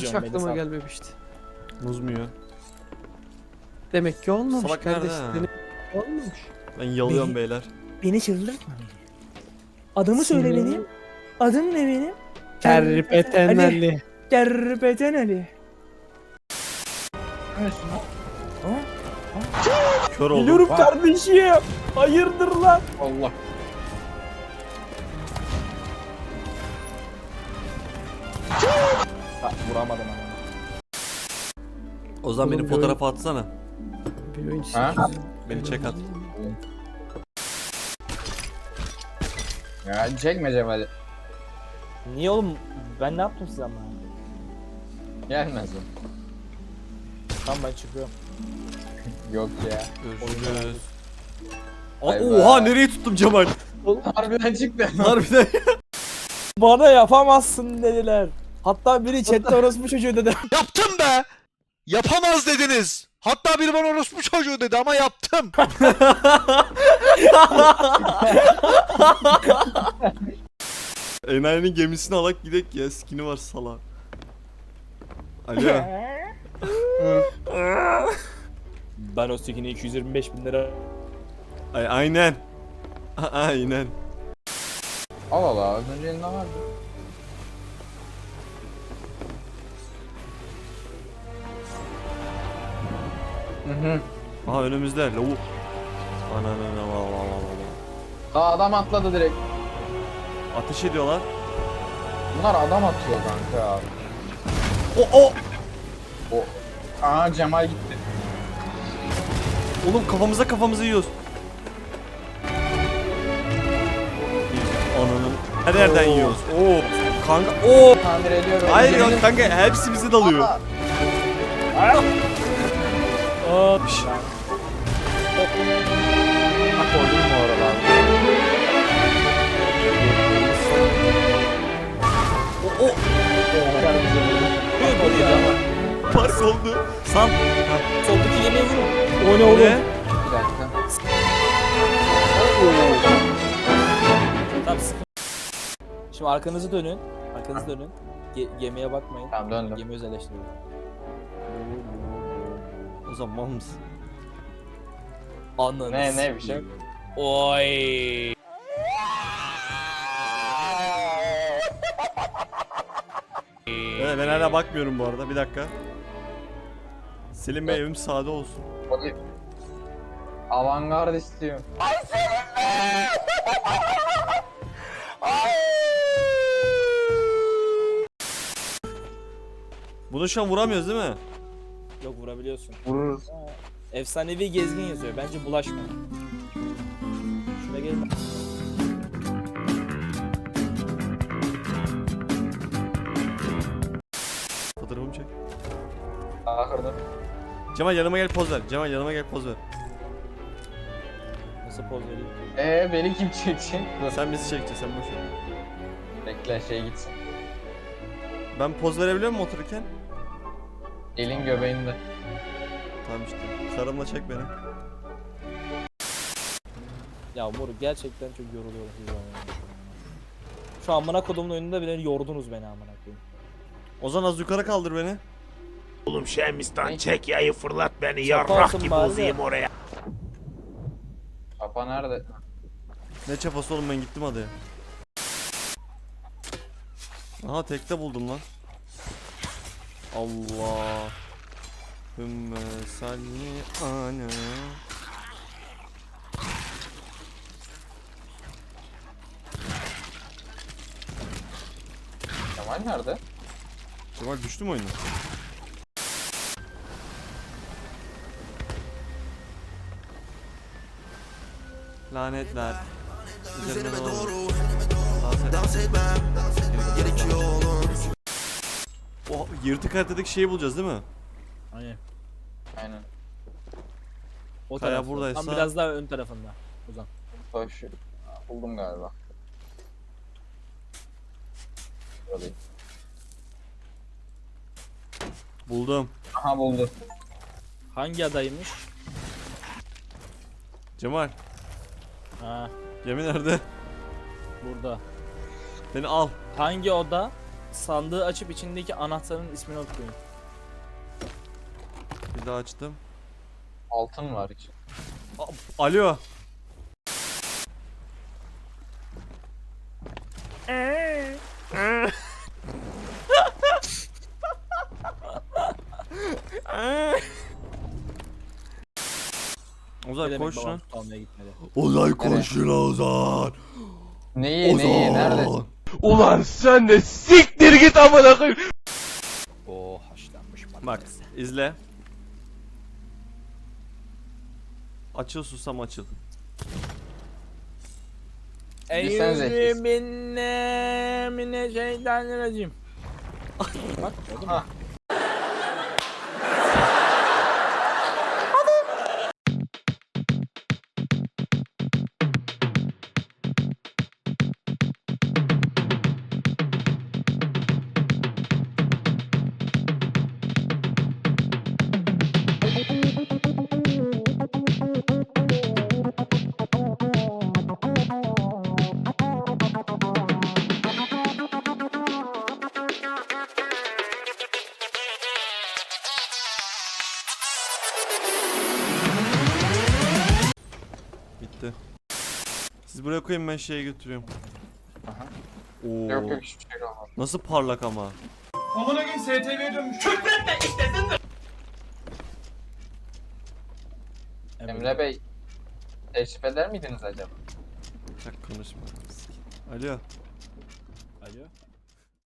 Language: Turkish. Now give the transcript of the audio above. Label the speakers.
Speaker 1: Hiç
Speaker 2: diyorum,
Speaker 1: aklıma
Speaker 2: Melisa.
Speaker 1: gelmemişti.
Speaker 3: Muz mu ya?
Speaker 1: Demek ki olmamış
Speaker 3: Salak nerede
Speaker 1: kardeş.
Speaker 3: ha?
Speaker 1: Demek ki olmamış.
Speaker 3: Ben yalıyorum
Speaker 2: Beni-
Speaker 3: beyler.
Speaker 2: Beni çıldırtma beni. Adımı
Speaker 1: Seni-
Speaker 2: söyle benim. Adım ne benim?
Speaker 1: Kerpeten Ali.
Speaker 2: Kerpeten Ali.
Speaker 3: Kör oldum.
Speaker 2: Geliyorum kardeşim. Hayırdır lan?
Speaker 1: Allah.
Speaker 2: Ha, vuramadım ama.
Speaker 3: O zaman
Speaker 1: Oğlum
Speaker 3: benim
Speaker 1: bir
Speaker 3: fotoğrafı atsana.
Speaker 1: Bir oyun
Speaker 4: Ha?
Speaker 3: Beni çek at.
Speaker 4: Ya çekme Cemal'i.
Speaker 2: Niye oğlum? Ben ne yaptım size ama?
Speaker 4: Gelmez o.
Speaker 2: Tamam ben çıkıyorum.
Speaker 4: Yok ya.
Speaker 3: Görüşürüz.
Speaker 4: Bay
Speaker 3: Oha
Speaker 4: bay.
Speaker 3: nereye tuttum Cemal?
Speaker 4: Harbiden çıktı.
Speaker 3: Harbiden.
Speaker 2: Bana yapamazsın dediler. Hatta biri chatte orospu çocuğu dedi.
Speaker 5: Yaptım be! Yapamaz dediniz. Hatta biri bana orospu çocuğu dedi ama yaptım.
Speaker 3: Enayi'nin gemisini alak gidek ya. Skini var sala. Alo.
Speaker 2: Ben o skin'i 225.000 lira.
Speaker 3: Aynen. Aynen.
Speaker 4: Al al az önce elinde vardı.
Speaker 3: Aha önümüzde lavuk. Ananana.
Speaker 4: Aa adam atladı direkt.
Speaker 3: Ateş ediyorlar.
Speaker 4: Bunlar adam atıyor kanka abi.
Speaker 3: O.
Speaker 4: O. Aa Cemal gitti.
Speaker 3: Oğlum kafamıza yiyoruz. Ananın. Her yerden yiyoruz. Oo. Kanka. Oo.
Speaker 4: Tamir ediyorum.
Speaker 3: Hayır
Speaker 4: Cemal'in-
Speaker 3: ya kanka hepsi bize dalıyor.
Speaker 4: Aa,
Speaker 2: Hop.
Speaker 4: Bak koydum mu oralarda?
Speaker 3: O. Park oldu. San.
Speaker 2: Soldaki yemeği vurun. O ne oğlum?
Speaker 3: Ne?
Speaker 4: Bir dakika.
Speaker 2: Tamam sıkın. Şimdi arkanızı dönün. Arkanızı dönün. Gemiye bakmayın.
Speaker 4: Tamam döndüm.
Speaker 2: Gemi özelleştiriyor.
Speaker 3: O zaman mal mısın?
Speaker 2: Ananı
Speaker 4: Ne bir şey yok.
Speaker 2: Oy.
Speaker 3: Evet, ben hala bakmıyorum bu arada. Bir dakika. Selim Bey evim sade olsun.
Speaker 4: Hadi. Avantgard istiyorum.
Speaker 3: Bunu şu an vuramıyoruz değil mi?
Speaker 2: Yok vurabiliyorsun.
Speaker 4: Vururuz.
Speaker 2: Efsanevi gezgin yazıyor. Bence bulaşma. Şuna gelin.
Speaker 3: Fotoğrafımı çek.
Speaker 4: Ahırda.
Speaker 3: Cemal yanıma gel poz ver. Cemal yanıma gel poz ver.
Speaker 2: Nasıl poz vereyim?
Speaker 4: Beni kim çekecek? Dur.
Speaker 3: Sen bizi çekeceksin sen boş ver.
Speaker 4: Bekle şey gitsin.
Speaker 3: Ben poz verebiliyor muyum otururken?
Speaker 4: Elin göbeğinde.
Speaker 3: Tamam işte. Karımla çek beni.
Speaker 2: Ya moruk gerçekten çok yoruluyorum siz zaman. Şu amına kodumun oyununda bile yordunuz beni amına koyayım.
Speaker 3: Ozan az yukarı kaldır beni.
Speaker 5: Oğlum Şemistan çek yayı fırlat beni
Speaker 2: Yaparsın
Speaker 5: yarrak gibi
Speaker 2: bari de.
Speaker 5: uzayım oraya.
Speaker 4: Papa nerede?
Speaker 3: Ne çapası oğlum ben gittim adaya. Aha tekte buldum lan. Allah. Hümme salli ana.
Speaker 4: Cemal nerede?
Speaker 3: Cemal düştü mü oyuna? Lanetler. Üzerine doğru. Dans etmem. O yırtık haritadaki şeyi bulacağız değil mi?
Speaker 2: Aynen.
Speaker 4: Aynen.
Speaker 2: O
Speaker 3: Kaya
Speaker 2: tarafta.
Speaker 3: buradaysa-
Speaker 2: Tam biraz daha ön tarafında. Ozan.
Speaker 4: Hoş. Buldum galiba. Buradayım.
Speaker 3: Buldum.
Speaker 4: Aha buldu.
Speaker 2: Hangi adaymış?
Speaker 3: Cemal.
Speaker 2: Ha,
Speaker 3: Gemi nerede?
Speaker 2: burada.
Speaker 3: Beni al.
Speaker 2: Hangi oda? sandığı açıp içindeki anahtarın ismini okuyun.
Speaker 3: Bir daha açtım.
Speaker 4: Altın var için.
Speaker 3: Alo. Ozan
Speaker 2: Ne
Speaker 3: koş
Speaker 2: demek babam
Speaker 3: lan.
Speaker 2: tut almaya gitmedi.
Speaker 5: Ozan koşun Ozan.
Speaker 4: Neyi nerede?
Speaker 5: Ulan sen de siktir git amına koyayım.
Speaker 2: Oo haşlanmış patates.
Speaker 3: Bak izle. Açıl susam açıl.
Speaker 4: Bilsenize.
Speaker 2: Mineşşeytanirracim. Bak gördün mü?
Speaker 4: Ha.
Speaker 3: Bitti. Siz buraya koyun ben şeye götürüyorum.
Speaker 4: Aha.
Speaker 3: Oo.
Speaker 4: Yok yok hiçbir şey olmaz.
Speaker 3: Nasıl parlak ama.
Speaker 4: Emre Bey teşrif eder miydiniz acaba?
Speaker 3: Çak konuşma. Alo.
Speaker 2: Alo.